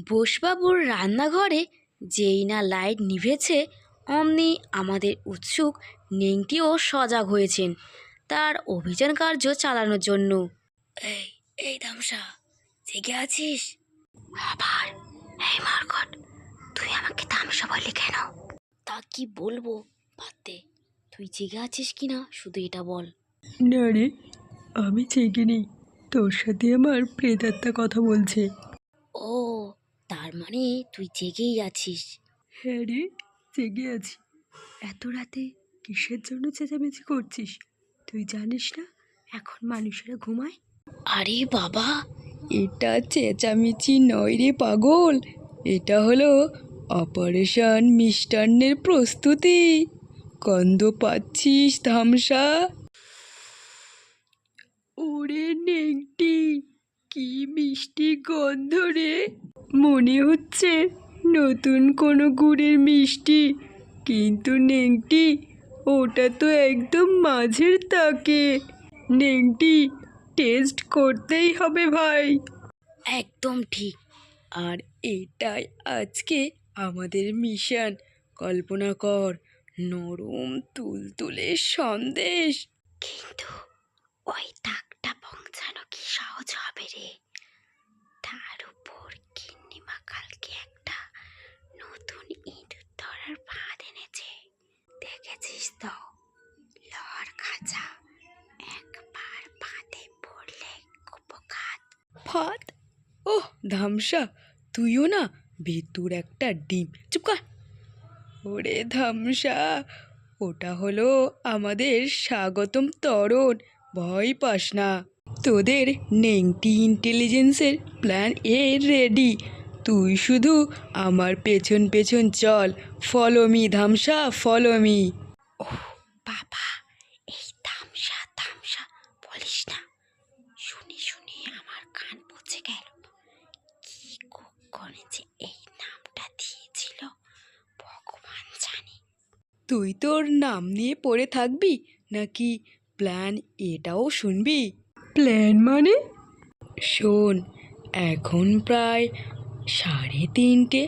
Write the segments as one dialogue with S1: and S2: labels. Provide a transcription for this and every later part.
S1: বোসবাবুর রান্নাঘরে যেই না লাইট নিভেছে, অমনি আমাদের উৎসুক নেংটিও সজাগ হয়েছেন তার অভিযান কার্য চালানোর জন্য। এই এই ধামসা, জেগে আছিস? আবার এই মার্কট, তুই আমাকে ধামসা বললি কেন? তা কি বলবো, ভাবতে তুই জেগে আছিস কিনা শুধু এটা বল।
S2: না রে, আমি জেগে নেই, তোর সাথে আমার প্রেতাত্মা কথা বলছে।
S1: ও, তার মানে তুই জেগেই আছিস?
S2: হ্যাঁ রে, জেগে আছি। এত রাতে কিসের জন্য চেঁচামেচি করছিস? তুই জানিস না এখন মানুষেরা ঘুমায়?
S1: আরে বাবা,
S2: এটা চেঁচামেচি নয় রে পাগল, এটা হলো অপারেশন মিষ্টান্নের প্রস্তুতি। গন্ধ পাচ্ছিস ধামসা? ওরে নেংটি, কি মিষ্টি গন্ধ রে! মনে হচ্ছে নতুন কোনো গুড়ের মিষ্টি, কিন্তু নেংটি ওটা তো একদম মাঝের তাকে। নেংটি, টেস্ট করতেই হবে ভাই।
S1: একদম ঠিক।
S2: আর এটাই আজকে আমাদের মিশন। কল্পনা কর, নরম তুলতুলে সন্দেশ।
S1: কিন্তু ওই দাগটা পৌঁছানো কি সহজ হবে রে? তার উপর গিন্নিমা কালকে একটা নতুন ইঁদুর ধরার ফাঁদ এনেছে, দেখেছিস তো? লর খাঁচা, একবার ফাঁদে পড়লে কুপোকাত।
S2: ফাঁদ? ওহ ধামসা, তুইও না ভেতুর একটা ডিম। চুপ কর। ওরে ধামসা, ওটা হলো আমাদের স্বাগতম তরণ। ভয় পাস না, তোদের নেংটি ইন্টেলিজেন্সের প্ল্যান এ রেডি। তুই শুধু আমার পেছন পেছন চল। ফলো মি ধামসা, ফলো মি।
S1: বাবা, এই ধামসা ধামসা বলিস না, শুনে শুনে আমার কান পচে গেল। কি কুক্ষণে যে এই নামটা দিয়েছিল ভগবান জানে।
S2: তুই তোর নাম নিয়ে পড়ে থাকবি নাকি প্ল্যান এটাও শুনবি? প্ল্যান মানে? শোন, এখন প্রায় 3:30।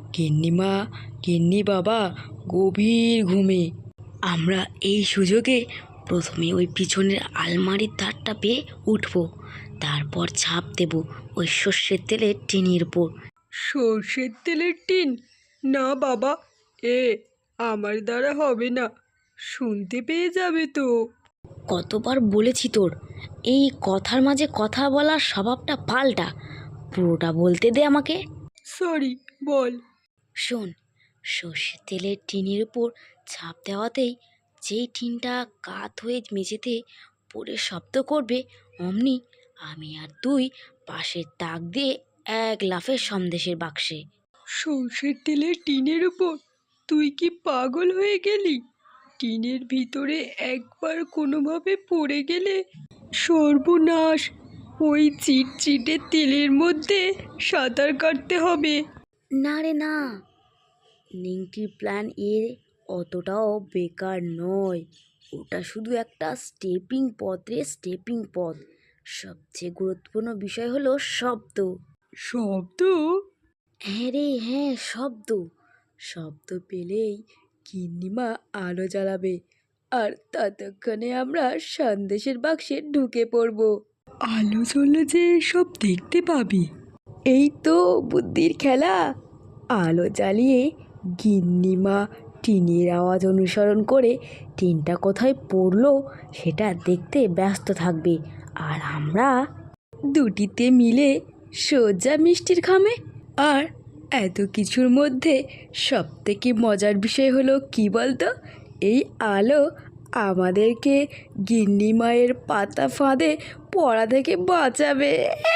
S2: গিন্নি বাবা গভীর ঘুমে।
S1: আমরা এই সুযোগে প্রথমে ওই পিছনের আলমারির ধারটা পেয়ে উঠবো, তারপর ছাপ দেব ওই সর্ষের তেলের টিনের উপর।
S2: সর্ষের তেলের টিন? না বাবা, এ আমার দ্বারা হবে না, শুনতে পেয়ে যাবে তো।
S1: কতবার বলেছি তোর, এই কথার মাঝে কথা বলার স্বভাবটা পাল্টা, পুরোটা বলতে দে আমাকে।
S2: সরি, বল।
S1: শোন, সর্ষের তেলের টিনের উপর ছাপ দেওয়াতেই যেই টিনটা কাত হয়ে মেঝেতে পড়ে শব্দ করবে, অমনি আমি আর তুই পাশের তাক দিয়ে এক লাফে সন্দেশের বাক্সে।
S2: সর্ষের তেলের টিনের উপর? তুই কি পাগল হয়ে গেলি? টিনের ভিতরে একবার কোনোভাবে পড়ে গেলে সর্বনাশ। ওই চিটচিটে তেলের মধ্যে সাঁতার কাটতে হবে।
S1: না রে না, নিংটির প্ল্যান এ অতটাও বেকার নয়। ওটা শুধু একটা স্টেপিং পথ রে, স্টেপিং পথ। সবচেয়ে গুরুত্বপূর্ণ বিষয় হলো শব্দ।
S2: শব্দ?
S1: হ্যাঁ রে হ্যাঁ, শব্দ।
S2: শব্দ পেলেই গিন্নিমা আলো জ্বালাবে, আর ততক্ষণে আমরা সন্দেশের বাক্সে ঢুকে পড়ব। আলো জ্বললে যে সব দেখতে পাবি। এই তো বুদ্ধির খেলা। আলো জ্বালিয়ে গিন্নিমা টিনের আওয়াজ অনুসরণ করে টিনটা কোথায় পড়লো সেটা দেখতে ব্যস্ত থাকবে, আর আমরা দুটিতে মিলে সোজা মিষ্টির খামে। আর এত কিছুর মধ্যে সবথেকে মজার বিষয় হলো কি বলতো? এই আলো আমাদেরকে গিন্নি মায়ের পাতা ফাঁদে পড়া থেকে বাঁচাবে।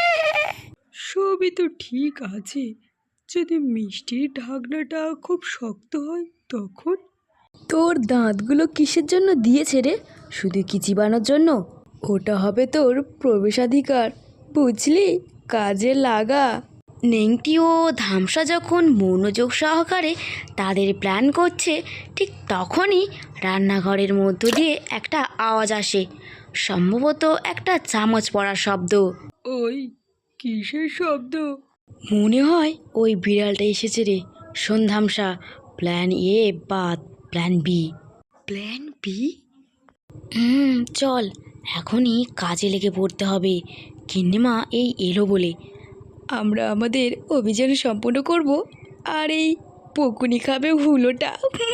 S2: সবই তো ঠিক আছে, যদি মিষ্টির ঢাকনাটা খুব শক্ত হয় তখন? তোর দাঁতগুলো কিসের জন্য দিয়েছে রে? শুধু কি চিবানোর জন্য? ওটা হবে তোর প্রবেশাধিকার, বুঝলি? কাজে লাগা।
S1: নেংটি ও ধামসা যখন মনোযোগ সহকারে তাদের প্ল্যান করছে, ঠিক তখনই রান্নাঘরের মধ্য দিয়ে একটা আওয়াজ আসে, সম্ভবত একটা চামচ পড়ার শব্দ।
S2: ওই কিসের শব্দ?
S1: মনে হয় ওই বিড়ালটা এসেছে রে। সন্ধ্যামশা, প্ল্যান এ বাদ, প্ল্যান বি।
S2: Plan B?
S1: চল, এখনই কাজে লেগে পড়তে হবে। গিন্নিমা এই এলো বলে।
S2: আমরা আমাদের অভিযান সম্পূর্ণ করব, আর এই পকুনি খাবে হুলোটা।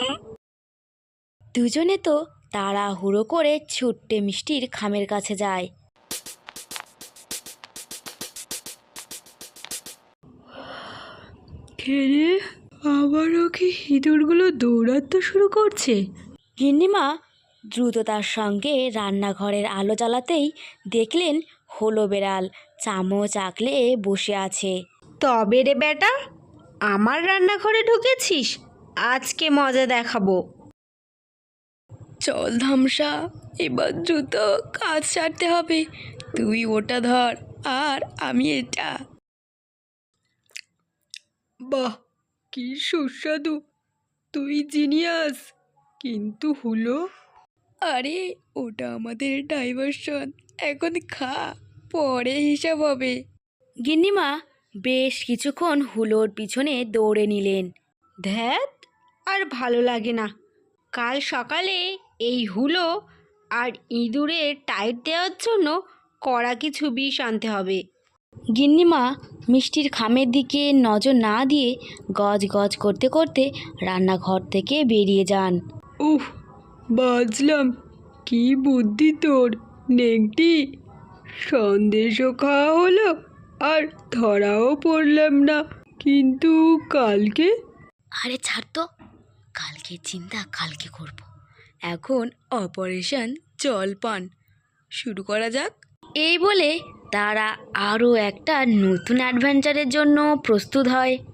S1: দুজনে তো তাড়াহুড়ো করে ছুট্টে মিষ্টির খামের কাছে যায়।
S2: খেলে আবারও কি ইঁদুরগুলো দৌড়াতে শুরু করছে?
S1: গিন্নিমা দ্রুততার সঙ্গে রান্নাঘরের আলো জ্বালাতেই দেখলেন হলো বেড়াল চামচ আঁকলে বসে আছে।
S3: তবে রে বেটা, আমার রান্নাঘরে ঢুকেছিস? আজকে মজা দেখাবো।
S2: চল ধামসা, এবার দ্রুত কাজ সারতে হবে। তুই ওটা ধর আর আমি এটা। বাহ, কি সুস্বাদু! তুই জিনিয়াস। কিন্তু হলো, আরে ওটা আমাদের ডাইভারশন। এখন খা, পরে হিসাব হবে।
S1: গিন্নিমা বেশ কিছুক্ষণ হুলোর পিছনে দৌড়ে নিলেন।
S3: ধ্যাত, আর ভালো লাগে না। কাল সকালে এই হুলো আর ইঁদুরের টাইট দেওয়ার জন্য কড়া কিছু বিষ আনতে হবে।
S1: গিন্নিমা মিষ্টির খামের দিকে নজর না দিয়ে গজ গজ করতে করতে রান্নাঘর থেকে বেরিয়ে যান।
S2: উফ, বাজলাম! কি বুদ্ধি তোর, নেংটি! সন্দেশও খাওয়া হলো, আর ধরাও পড়লাম না। কিন্তু কালকে?
S1: আরে ছাড় তো, কালকে চিন্তা কালকে করব। এখন অপারেশন জলপান শুরু করা যাক। এই বলে তারা আরও একটা নতুন অ্যাডভেঞ্চারের জন্য প্রস্তুত হয়।